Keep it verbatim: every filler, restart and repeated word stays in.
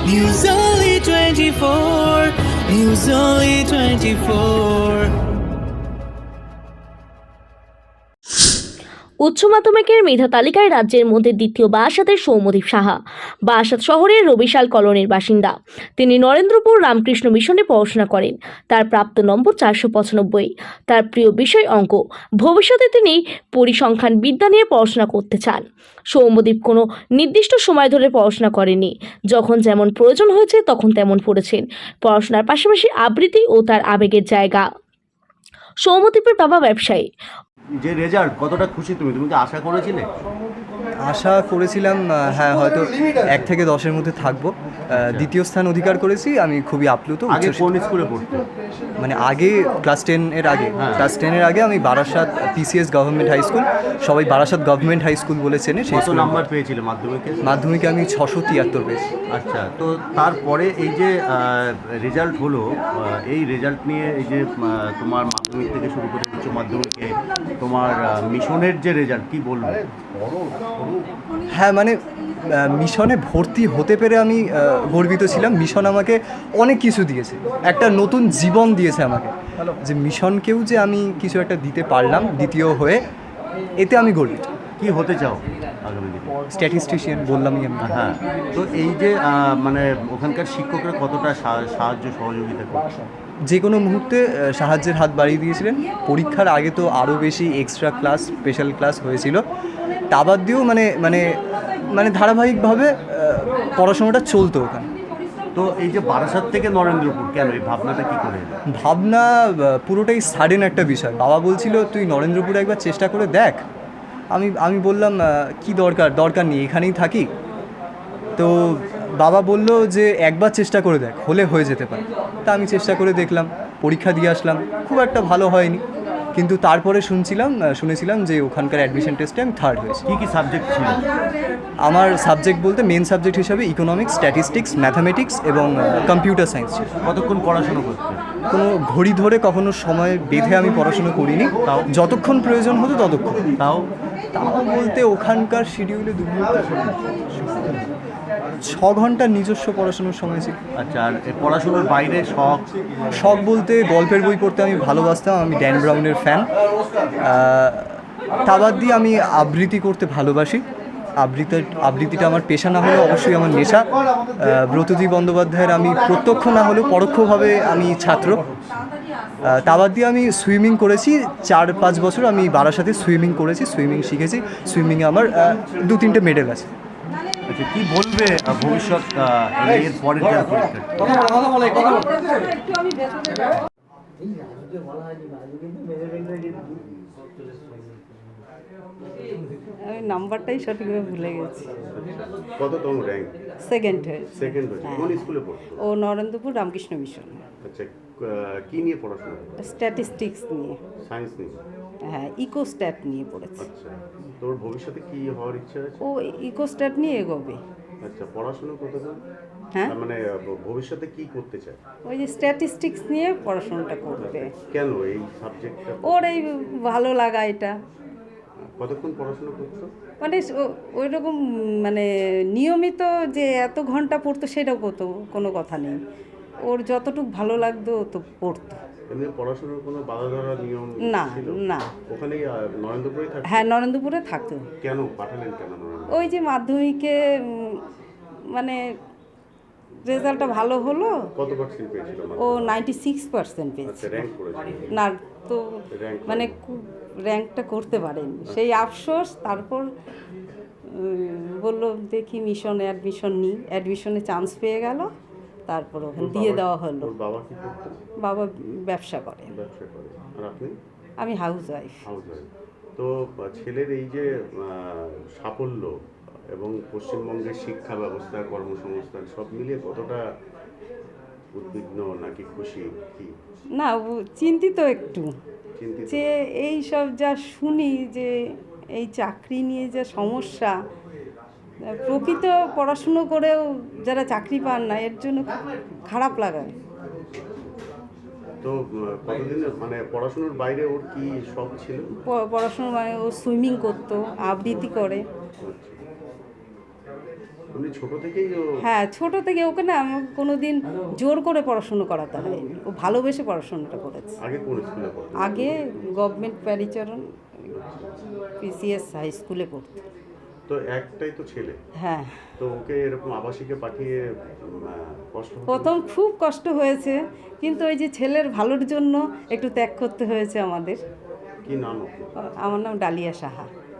News Only twenty-four, News Only twenty-four. উচ্চ মাধ্যমিকের মেধা তালিকায় রাজ্যের মধ্যে দ্বিতীয় বারাসাতের সৌম্যদীপ সাহা বারাসাত শহরের রবিশাল কলোনির বাসিন্দা। তিনি নরেন্দ্রপুর রামকৃষ্ণ মিশনে পড়াশোনা করেন। তার প্রাপ্ত নম্বর চারশো পঁচানব্বই। তার প্রিয় বিষয় অঙ্ক। ভবিষ্যতে তিনি পরিসংখ্যান বিদ্যা নিয়ে পড়াশোনা করতে চান। সৌম্যদীপ কোনো নির্দিষ্ট সময় ধরে পড়াশোনা করেনি, যখন যেমন প্রয়োজন হয়েছে তখন তেমন পড়েছেন। পড়াশোনার পাশাপাশি আবৃত্তি ও তার আবেগের জায়গা। সৌম্যদীপের বাবা ব্যবসায়ী। যে রেজাল্ট কতটা খুশি তুমি তুমি কি আশা করেছিলে? আশা করেছিলাম হ্যাঁ হয়তো এক থেকে দশের মধ্যে থাকবো। দ্বিতীয় স্থান অধিকার করেছি, আমি খুবই আপ্লুত। আগে কোন স্কুলে পড়তে? মানে আগে ক্লাস টেন এর আগে ক্লাস টেনের আগে আমি Barasat PCS government high school, সবাই বারাসাত গভর্নমেন্ট হাই স্কুল বলে চেনে। সেই নাম্বার পেয়েছিলে মাধ্যমিকে? মাধ্যমিকে আমি ছশো তিয়াত্তর পেয়েছি। আচ্ছা, তো তারপরে এই যে রেজাল্ট হলো, এই রেজাল্ট নিয়ে এই যে তোমার মাধ্যমিক থেকে শুরু করে উচ্চ মাধ্যমিকে তোমার মিশনের যে রেজাল্ট, কি বলবো? হ্যাঁ, মানে মিশনে ভর্তি হতে পেরে আমি গর্বিত ছিলাম। মিশন আমাকে অনেক কিছু দিয়েছে, একটা নতুন জীবন দিয়েছে আমাকে। যে মিশনকেও যে আমি কিছু একটা দিতে পারলাম দ্বিতীয় হয়ে, এতে আমি গর্বিত। কি হতে চাও আগামী দিনে? স্ট্যাটিস্টিশিয়ান বললামই আমি। হ্যাঁ, তো এই যে মানে ওখানকার শিক্ষকরা কতটা সাহায্য সহযোগিতা করছে? যে কোনো মুহূর্তে সাহায্যের হাত বাড়িয়ে দিয়েছিলেন। পরীক্ষার আগে তো আরও বেশি এক্সট্রা ক্লাস, স্পেশাল ক্লাস হয়েছিল। তা বাদ দিয়েও মানে মানে মানে ধারাবাহিকভাবে পড়াশোনাটা চলতো ওখানে। তো এই যে বারাসাত থেকে নরেন্দ্রপুর, কেন এই ভাবনাটা কী করে? ভাবনা পুরোটাই সাডেন একটা বিষয়। বাবা বলছিল তুই নরেন্দ্রপুরে একবার চেষ্টা করে দেখ। আমি আমি বললাম কি দরকার দরকার নেই, এখানেই থাকি। তো বাবা বলল যে একবার চেষ্টা করে দেখ, হলে হয়ে যেতে পারে। তা আমি চেষ্টা করে দেখলাম, পরীক্ষা দিয়ে আসলাম, খুব একটা ভালো হয়নি। কিন্তু তারপরে শুনছিলাম শুনেছিলাম যে ওখানকার অ্যাডমিশন টেস্টে আমি থার্ড হয়েছি। কী কী সাবজেক্ট ছিল? আমার সাবজেক্ট বলতে মেন সাবজেক্ট হিসাবে ইকোনমিক্স, স্ট্যাটিস্টিক্স, ম্যাথামেটিক্স এবং কম্পিউটার সায়েন্স ছিল। কতক্ষণ পড়াশোনা করতে? কোনো ঘড়ি ধরে কখনো সময় বেঁধে আমি পড়াশোনা করিনি, তাও যতক্ষণ প্রয়োজন হতো ততক্ষণ। তাও তাও বলতে ওখানকার শিডিউলে দু ছ ঘন্টার নিজস্ব পড়াশোনার সময় ছিল। আচ্ছা, আর পড়াশোনার বাইরে শখ? শখ বলতে গল্পের বই পড়তে আমি ভালোবাসতাম, আমি ড্যান ব্রাউনের ফ্যান। তা বাদ দিয়ে আমি আবৃত্তি করতে ভালোবাসি। আবৃত্তি আবৃত্তিটা আমার পেশা না হলেও অবশ্যই আমার নেশা। ব্রতজি বন্দ্যোপাধ্যায়ের আমি প্রত্যক্ষ না হলেও পরোক্ষভাবে আমি ছাত্র। তা বাদ দিয়ে আমি সুইমিং করেছি চার পাঁচ বছর। আমি বারাসাতে সুইমিং করেছি, সুইমিং শিখেছি। সুইমিংয়ে আমার দু তিনটে মেডেল আছে। আচ্ছা, কি বলবে ভবিষ্যৎ এর পরের যারা আমি নাম্বারটাই সঠিকভাবে ভুলে গেছি। কততম র্যাঙ্ক? সেকেন্ড হয়েছে। সেকেন্ড হয়েছে। কোন স্কুলে পড়তো? ও নরেন্দ্রপুর রামকৃষ্ণ মিশন। আচ্ছা, কি নিয়ে পড়াশোনা? স্ট্যাটিস্টিক্স নিয়ে। সায়েন্স নিয়ে? হ্যাঁ, ইকোস্ট্যাট নিয়ে পড়েছে। আচ্ছা, তোর ভবিষ্যতে কি হওয়ার ইচ্ছা আছে? ও ইকোস্ট্যাট নিয়ে এগোবে। আচ্ছা, পড়াশোনা কতটা? হ্যাঁ, মানে ভবিষ্যতে কি করতে চায়? ওই যে স্ট্যাটিস্টিক্স নিয়ে পড়াশোনাটা করবে। কেন এই সাবজেক্টটা? ওর এই ভালো লাগা এটা। কতক্ষণ পড়াশোনা করতো? মানে ওই রকম মানে নিয়মিত যে এত ঘন্টা পড়তো সেটাও করতো, কোনো কথা নেই। ওর যতটুকু ভালো লাগতো তো পড়তো। এমনি পড়াশোনার কোনো বাধা ধরা নিয়ম না ছিল না। ওখানেই নরেন্দ্রপুরে থাকতো? হ্যাঁ, নরেন্দ্রপুরে থাকতো। কেন পাঠালেন কেন? ওই যে মাধ্যমিকে মানে রেজাল্টটা ভালো হলো। কত পার্সেন্ট পেয়েছিল? ও নাইনটি সিক্স পার্সেন্ট পেয়েছে। র্যাঙ্ক করেছিল না তো, মানে র্যাঙ্কটা করতে পারেনি, সেই আফসোস। তারপর বললো দেখি মিশনে অ্যাডমিশন নিই, অ্যাডমিশনে চান্স পেয়ে গেল। তারপর ওখানে দিয়ে দেওয়া হলো। বাবা কি করতো? বাবা ব্যবসা করে। ব্যবসা করে। আর আপনি? আমি হাউস ওয়াইফ। House wife. তো ছেলের এই যে সাফল্য এবং পশ্চিমবঙ্গের শিক্ষা ব্যবস্থা, কর্মসংস্থান সব মিলিয়ে কতটা উদ্বিগ্ন নাকি খুশি? কি না, চিন্তিত একটু, যে এই সব যা শুনি যে এই চাকরি নিয়ে যা সমস্যা, প্রকৃত পড়াশুনো করেও যারা চাকরি পান না, এর জন্য খারাপ লাগায়। তো কতদিন মানে পড়াশোনার বাইরে ওর কি শখ ছিল? পড়াশোনার মানে ও সুইমিং করতো, আবৃত্তি করে। তুমি উনি ছোট থেকেই ও হ্যাঁ, ছোট থেকে ওকে না আমার কোনো দিন জোর করে পড়াশুনো করাতে হয়নি, ও ভালোবেসে পড়াশোনাটা করেছে। আগে কোন স্কুলে পড়তেন? আগে গভর্নমেন্ট প্যারিচরণ পিসিএস হাই স্কুলে পড়তো। তো একটাই তো ছেলে, হ্যাঁ, তো ওকে এরকম আবাসিকে পাঠিয়ে উম, আহ, কষ্ট হতো? প্রথম খুব কষ্ট হয়েছে, কিন্তু ওই যে ছেলের ভালোর জন্য একটু ত্যাগ করতে হয়েছে আমাদের। কি নাম ওকে? আমার নাম ডালিয়া সাহা।